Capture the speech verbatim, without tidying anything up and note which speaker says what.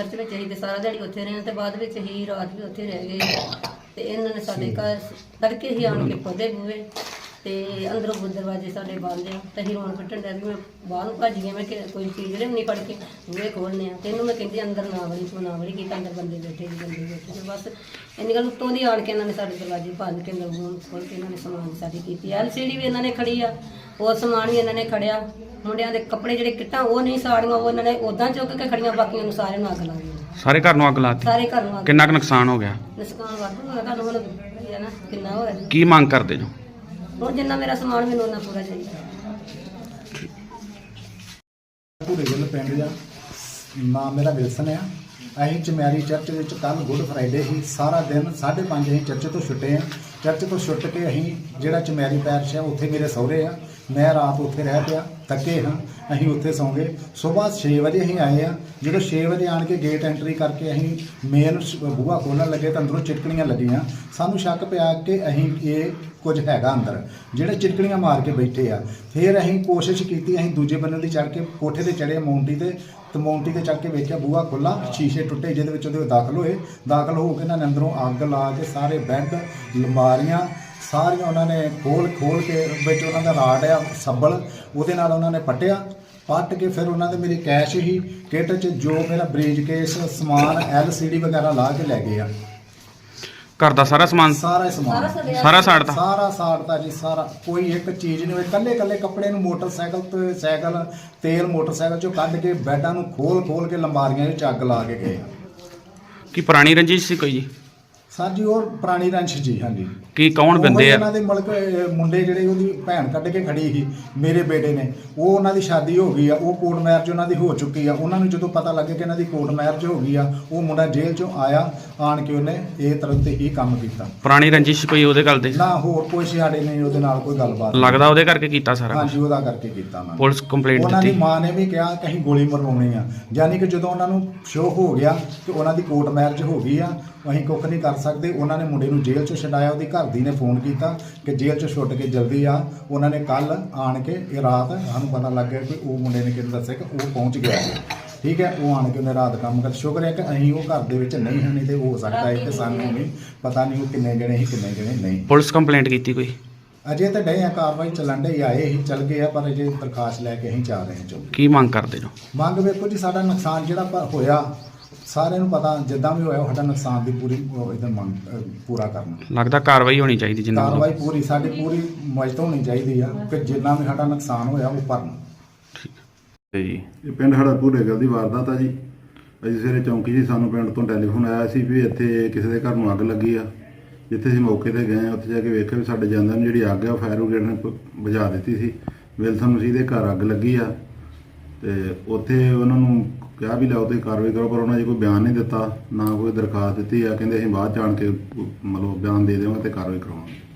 Speaker 1: Church ਵਿੱਚ ਅਸੀਂ ਤੇ ਸਾਰਾ ਦਿਹਾੜੀ ਉੱਥੇ ਰਹੇ ਤੇ ਬਾਅਦ ਵਿੱਚ ਹੀ ਰਾਤ ਵੀ ਉੱਥੇ ਰਹਿ ਗਏ ਤੇ ਇਹਨਾਂ ਨੇ ਸਾਡੇ ਘਰ ਤੜਕੇ ਹੀ ਆਣ ਕੇ ਪੌਦੇ ਬੂਏ ਤੇ ਅੰਦਰੋਂ ਦਰਵਾਜ਼ੇ ਸਾਡੇ ਬੰਦ ਆ ਤੇ ਅਸੀਂ ਰੋਣ ਪਿੱਟਣ ਡਿਆ ਵੀ ਮੈਂ ਬਾਹਰ ਨੂੰ ਭੱਜ ਗਿਆ ਮੈਂ ਕਿ ਕੋਈ ਚੀਜ਼ ਨਹੀਂ ਫੜ ਕੇ ਬੂਹੇ ਖੋਲ੍ਹਨੇ ਆ ਤੇ ਇਹਨੂੰ ਮੈਂ ਕਹਿੰਦੀ ਅੰਦਰ ਨਾ ਵੜੀ ਤੂੰ ਨਾ ਵੜੀ ਕੀਤਾ ਅੰਦਰ ਬੰਦੇ ਬੈਠੇ ਜੀ ਬੰਦੇ ਬੈਠੇ ਤੇ ਬਸ ਇੰਨੀ ਗੱਲ ਉੱਤੋਂ ਦੀ ਆਣ ਕੇ ਇਹਨਾਂ ਨੇ ਸਾਡੇ ਦਰਵਾਜ਼ੇ ਭੰਨ ਕੇ ਅੰਦਰ ਰੂਮ ਖੋਲ੍ਹ ਕੇ ਇਹਨਾਂ ਨੇ ਸਮਾਨ ਸਾਡੀ ਕੀਤੀ ਐਲ ਸੀ ਡੀ ਵੀ ਇਹਨਾਂ ਨੇ ਖੜੀ ਆ ਹੋਰ ਸਮਾਨ ਵੀ ਇਹਨਾਂ ਨੇ ਖੜਿਆ ਮੁੰਡਿਆਂ ਦੇ ਕੱਪੜੇ ਜਿਹੜੇ ਕਿੱਟਾਂ ਉਹ ਨਹੀਂ ਸਾੜੀਆਂ ਉਹ ਇਹਨਾਂ ਨੇ ਉਦਾਂ ਚੁੱਕ ਕੇ ਖੜੀਆਂ ਬਾਕੀਆਂ ਨੂੰ ਸਾਰਿਆਂ ਨੂੰ ਅੱਗ ਲਾ ਦਿੱਤੀ
Speaker 2: ਸਾਰੇ ਘਰ ਨੂੰ ਅੱਗ ਲਾਤੀ
Speaker 1: ਸਾਰੇ ਘਰ ਨੂੰ ਅੱਗ
Speaker 2: ਕਿੰਨਾ ਕੁ ਨੁਕਸਾਨ ਹੋ ਗਿਆ
Speaker 1: ਨੁਕਸਾਨ ਵਾਧੂ ਹੋਇਆ ਤੁਹਾਨੂੰ ਹੁਣ ਪਤਾ ਨਾ ਕਿੰਨਾ ਹੋਇਆ
Speaker 2: ਕੀ ਮੰਗ ਕਰਦੇ ਜੋ
Speaker 1: ਹੁਣ ਜਿੰਨਾ ਮੇਰਾ ਸਮਾਨ ਮੈਨੂੰ ਉਹਨਾਂ ਪੂਰਾ ਚਾਹੀਦਾ
Speaker 3: ਪੂਰੇ ਗਿੱਲ ਪਿੰਡ ਦਾ ਨਾਮ ਮੇਰਾ ਵਿਲਸਨ ਆ। ਅਸੀਂ ਚਮੈਰੀ ਚਰਚ ਵਿੱਚ ਕੱਲ੍ਹ ਗੁੱਡ ਫਰਾਈਡੇ ਸੀ ਸਾਰਾ ਦਿਨ ਸਾਢੇ ਪੰਜ ਅਸੀਂ ਚਰਚ ਤੋਂ ਛੁੱਟੇ ਹਾਂ। ਚਰਚ ਤੋਂ ਛੁੱਟ ਕੇ ਅਸੀਂ ਜਿਹੜਾ ਚਮੈਰੀ ਪੈਰਸ਼ ਆ ਉੱਥੇ ਮੇਰੇ ਸਹੁਰੇ ਆ ਮੈਂ ਰਾਤ ਉੱਥੇ ਰਹਿ ਪਿਆ ਥੱਕੇ ਹਾਂ ਅਸੀਂ ਉੱਥੇ ਸੌਂ ਗਏ। ਸਵੇਰ ਛੇ ਵਜੇ ਅਸੀਂ ਆਏ ਆ ਜਦੋਂ ਛੇ ਵਜੇ ਆਣ ਕੇ ਗੇਟ ਐਂਟਰੀ ਕਰਕੇ ਅਸੀਂ ਮੇਨ ਬੂਹਾ ਖੋਲ੍ਹਣ ਲੱਗੇ ਤਾਂ ਅੰਦਰੋਂ ਚਿਟਕਣੀਆਂ ਲੱਗੀਆਂ। ਸਾਨੂੰ ਸ਼ੱਕ ਪਿਆ ਕਿ ਅਸੀਂ ਇਹ ਕੁਝ ਹੈਗਾ ਅੰਦਰ ਜਿਹੜੇ ਚਿਟਕਣੀਆਂ ਮਾਰ ਕੇ ਬੈਠੇ ਆ। ਫਿਰ ਅਸੀਂ ਕੋਸ਼ਿਸ਼ ਕੀਤੀ ਅਸੀਂ ਦੂਜੇ ਬੰਨੇ ਦੀ ਚੜ੍ਹ ਕੇ ਕੋਠੇ ਤੇ ਚੜ੍ਹੇ ਮੌਂਟੀ ਤੇ ਤੇ ਮੌਂਟੀ ਤੇ ਚੜ੍ਹ ਕੇ ਵੇਖਿਆ ਬੂਹਾ ਖੁੱਲ੍ਹਾ ਸ਼ੀਸ਼ੇ ਟੁੱਟੇ ਜਿਹਦੇ ਵਿੱਚ ਉਹਦੇ ਦਾਖਲ ਹੋਏ। ਦਾਖਲ ਹੋ ਕੇ ਇਹਨਾਂ ਨੇ ਅੰਦਰੋਂ ਅੱਗ ਲਾ ਕੇ ਸਾਰੇ ਬੈੱਡ ਅਲਮਾਰੀਆਂ ਸਾਰੀਆਂ ਉਹਨਾਂ ਨੇ ਖੋਲ ਖੋਲ ਕੇ ਵਿੱਚ ਉਹਨਾਂ ਦਾ ਰਾਡ ਆ ਸੱਬਲ ਉਹਦੇ ਨਾਲ ਉਹਨਾਂ ਨੇ ਪੱਟਿਆ। ਪੱਟ ਕੇ ਫਿਰ ਉਹਨਾਂ ਦੇ ਮੇਰੀ ਕੈਸ਼ ਹੀ ਕਿੱਟ 'ਚ ਜੋ ਮੇਰਾ ਬਰੀਜ ਕੇਸ ਸਮਾਨ ਐਲ ਸੀ ਡੀ ਵਗੈਰਾ ਲਾ ਕੇ ਲੈ ਗਏ ਆ।
Speaker 2: ਘਰ ਦਾ ਸਾਰਾ ਸਮਾਨ
Speaker 3: ਸਾਰਾ ਸਮਾਨ
Speaker 2: ਸਾਰਾ ਸਾੜਤਾ
Speaker 3: ਸਾਰਾ ਸਾੜਤਾ ਜੀ ਸਾਰਾ ਕੋਈ ਇੱਕ ਚੀਜ਼ ਨਹੀਂ ਹੋਈ। ਕੱਲੇ ਕੱਲੇ ਕੱਪੜੇ ਨੂੰ ਮੋਟਰਸਾਈਕਲ ਤੇ ਸਾਈਕਲ ਤੇਲ ਮੋਟਰਸਾਈਕਲ 'ਚੋਂ ਕੱਢ ਕੇ ਬੈੱਡਾਂ ਨੂੰ ਖੋਲ ਖੋਲ ਕੇ ਲੰਬਾਰੀਆਂ ਵਿੱਚ ਅੱਗ ਲਾ ਕੇ ਗਏ।
Speaker 2: ਕੀ ਪੁਰਾਣੀ ਰੰਜਿਸ਼ ਸੀ ਕੋਈ ਜੀ
Speaker 3: ਸਰ ਜੀ ਉਹ ਪੁਰਾਣੀ ਰੰਸ਼ ਜੀ ਹਾਂਜੀ।
Speaker 2: ਕੀ ਕੌਣ ਬੰਦੇ ਆ
Speaker 3: ਇਹਨਾਂ ਦੇ ਮੁਲਕ ਮੁੰਡੇ ਜਿਹੜੇ ਉਹਦੀ ਭੈਣ ਕੱਢ ਕੇ ਖੜੀ ਸੀ ਮੇਰੇ ਬੇਟੇ ਨੇ ਉਹ ਉਹਨਾਂ ਦੀ ਸ਼ਾਦੀ ਹੋ ਗਈ ਆ ਉਹ ਕੋਰਟ ਮੈਰਿਜ ਉਹਨਾਂ ਦੀ ਹੋ ਚੁੱਕੀ ਆ। ਉਹਨਾਂ ਨੂੰ ਜਦੋਂ ਪਤਾ ਲੱਗੇ ਕਿ ਇਹਨਾਂ ਦੀ ਕੋਰਟ ਮੈਰਿਜ ਹੋ ਗਈ ਆ ਉਹ ਮੁੰਡਾ ਜੇਲ੍ਹ ਚੋਂ ਆਇਆ ਆਣ ਕੇ ਉਹਨੇ ਇਹ ਤਰ੍ਹਾਂ ਤੇ ਹੀ ਕੰਮ ਕੀਤਾ।
Speaker 2: ਪੁਰਾਣੀ ਰੰਜਿਸ਼ ਕੋਈ ਉਹਦੇ ਗੱਲ ਦੇ
Speaker 3: ਨਾ ਹੋਰ ਕੋਈ ਸਾਡੇ ਨਹੀਂ ਉਹਦੇ ਨਾਲ ਕੋਈ ਗੱਲਬਾਤ
Speaker 2: ਲੱਗਦਾ ਉਹਦੇ ਕਰਕੇ ਕੀਤਾ ਸਾਰਾ
Speaker 3: ਹਾਂਜੀ ਉਹਦਾ ਕਰਕੇ ਕੀਤਾ ਉਹਨਾਂ ਨੇ।
Speaker 2: ਪੁਲਿਸ ਕੰਪਲੇਂਟ
Speaker 3: ਉਹਨਾਂ ਦੀ
Speaker 2: ਦਿੱਤੀ
Speaker 3: ਮਾਂ ਨੇ ਵੀ ਕਿਹਾ ਕਿ ਅਸੀਂ ਗੋਲੀ ਮਰਵਾਉਣੀ ਆ ਯਾਨੀ ਕਿ ਜਦੋਂ ਉਹਨਾਂ ਨੂੰ ਸ਼ੋਅ ਹੋ ਗਿਆ ਕਿ ਉਹਨਾਂ ਦੀ ਕੋਰਟ ਮੈਰਿਜ ਹੋ ਗਈ ਆ ਅਸੀਂ ਕੁੱਖ ਨਹੀਂ ਕਰ ਸਕਦੇ। ਉਹਨਾਂ ਨੇ ਮੁੰਡੇ ਨੂੰ ਜੇਲ੍ਹ 'ਚੋਂ ਛਡਾਇਆ। ਉਹਦੀ ਘਰ ਦੀ ਨੇ ਫੋਨ ਕੀਤਾ ਕਿ ਜੇਲ੍ਹ 'ਚੋਂ ਛੁੱਟ ਕੇ ਜਲਦੀ ਆ। ਉਹਨਾਂ ਨੇ ਕੱਲ੍ਹ ਆਣ ਕੇ ਇਹ ਰਾਤ ਸਾਨੂੰ ਪਤਾ ਲੱਗ ਗਿਆ ਕਿ ਉਹ ਮੁੰਡੇ ਨੇ ਕਿਹਨੂੰ ਦੱਸਿਆ ਕਿ ਉਹ ਪਹੁੰਚ ਗਿਆ ਠੀਕ ਹੈ। ਉਹ ਆਣ ਕੇ ਉਹਨੇ ਰਾਤ ਕੰਮ ਕਰ ਸ਼ੁਕਰ ਹੈ ਕਿ ਅਸੀਂ ਉਹ ਘਰ ਦੇ ਵਿੱਚ ਨਹੀਂ ਹਾਂ ਨਹੀਂ ਤੇ ਹੋ ਸਕਦਾ ਹੈ ਕਿ ਸਾਨੂੰ ਵੀ ਪਤਾ ਨਹੀਂ ਉਹ ਕਿੰਨੇ ਜਣੇ ਸੀ ਕਿੰਨੇ ਜਣੇ ਨਹੀਂ।
Speaker 2: ਪੁਲਿਸ ਕੰਪਲੇਂਟ ਕੀਤੀ ਕੋਈ
Speaker 3: ਅਜੇ ਤਾਂ ਡੇ ਆ ਕਾਰਵਾਈ ਚੱਲਣ ਡੇ ਆਏ ਹੀ ਚੱਲ ਗਏ ਆ ਪਰ ਅਜੇ ਦਰਖਾਸਤ ਲੈ ਕੇ ਅਸੀਂ ਜਾ ਰਹੇ ਹਾਂ ਚੋ
Speaker 2: ਕੀ ਮੰਗ ਕਰਦੇ ਜੋ
Speaker 3: ਮੰਗ ਵੇਖੋ ਜੀ ਸਾਡਾ ਨੁਕਸਾਨ ਜਿਹੜਾ ਪ- ਹੋਇਆ ਸਾਰਿਆਂ ਨੂੰ ਪਤਾ ਜਿੱਦਾਂ ਵੀ ਹੋਇਆ ਸਾਡਾ ਨੁਕਸਾਨ ਦੀ ਪੂਰੀ ਇਹਦਾ ਮੰਗ ਅਹ ਪੂਰਾ ਕਰਨਾ
Speaker 2: ਲੱਗਦਾ ਕਾਰਵਾਈ ਹੋਣੀ ਚਾਹੀਦੀ ਜਿੰਨਾ
Speaker 3: ਕਾਰਵਾਈ ਪੂਰੀ ਸਾਡੀ ਪੂਰੀ ਮਦਦ ਹੋਣੀ ਚਾਹੀਦੀ ਆ ਕਿ ਜਿੰਨਾ ਵੀ ਸਾਡਾ ਨੁਕਸਾਨ ਹੋਇਆ ਉਹ ਭਰਨ।
Speaker 2: ਜੀ
Speaker 4: ਇਹ ਪਿੰਡ ਸਾਡਾ ਭੂਰੇ ਗੱਲ ਦੀ ਵਾਰਦਾਤ ਆ ਜੀ। ਅਸੀਂ ਸਵੇਰੇ ਚੌਂਕੀ ਜੀ ਸਾਨੂੰ ਪਿੰਡ ਤੋਂ ਟੈਲੀਫੋਨ ਆਇਆ ਸੀ ਵੀ ਇੱਥੇ ਕਿਸੇ ਦੇ ਘਰ ਨੂੰ ਅੱਗ ਲੱਗੀ ਆ। ਜਿੱਥੇ ਅਸੀਂ ਮੌਕੇ ਤੇ ਗਏ ਉੱਥੇ ਜਾ ਕੇ ਵੇਖਿਆ ਵੀ ਸਾਡੇ ਜਾਂਦਿਆਂ ਨੂੰ ਜਿਹੜੀ ਅੱਗ ਆ ਫਾਇਰ ਬ੍ਰਿਗੇਡ ਨੇ ਬੁਝਾ ਦਿੱਤੀ ਸੀ। ਵਿਲਸਨ ਮਸੀਹ ਦੇ ਘਰ ਅੱਗ ਲੱਗੀ ਆ ਤੇ ਉੱਥੇ ਉਹਨਾਂ ਨੂੰ ਕਿਹਾ ਵੀ ਲਿਆਓ ਤੁਸੀਂ ਕਾਰਵਾਈ ਕਰੋ ਪਰ ਉਹਨਾਂ ਨੇ ਕੋਈ ਬਿਆਨ ਨਹੀਂ ਦਿੱਤਾ ਨਾ ਕੋਈ ਦਰਖਾਸਤ ਦਿੱਤੀ ਆ। ਕਹਿੰਦੇ ਅਸੀਂ ਬਾਅਦ 'ਚ ਆਣ ਕੇ ਮਤਲਬ ਬਿਆਨ ਦੇ ਦੇਵਾਂਗੇ ਤੇ ਕਾਰਵਾਈ ਕਰਾਵਾਂਗੇ।